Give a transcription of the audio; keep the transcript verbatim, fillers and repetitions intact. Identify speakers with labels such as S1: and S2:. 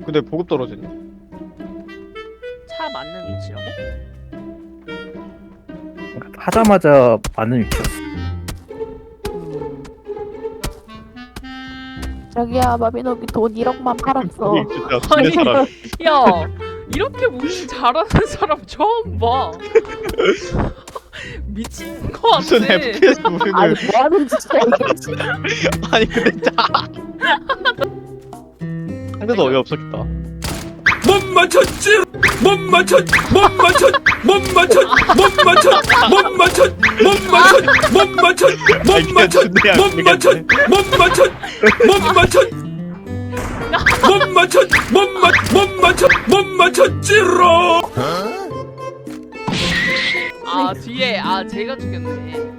S1: 근데 보급 떨어지네.
S2: 차 맞는 위치라고?
S3: 하자마자 맞는 위치였어.
S4: 자기야 마비노기 돈 일억만 팔았어.
S1: 여기 진짜
S2: 아니,
S1: 순대 사람.
S2: 야, 이렇게 무빙 잘하는 사람 처음 봐. 미친 거 같아.
S1: 무슨 에프피에스
S4: 아니
S1: 무빙을.
S4: 뭐하는 짓이야 이게 지금.
S1: 아니 근데 짜. 상대도 어이없었겠다.
S5: 못 맞췄지 못 맞췄 못 맞췄 못 맞췄 못 맞췄 못 맞췄 못 맞췄 못 맞췄 못 맞췄 못 맞췄 못 맞췄 못 맞췄 못 맞췄 못 맞 못 맞췄 못 맞췄지로.
S2: 아 뒤에 아 제가 죽였네.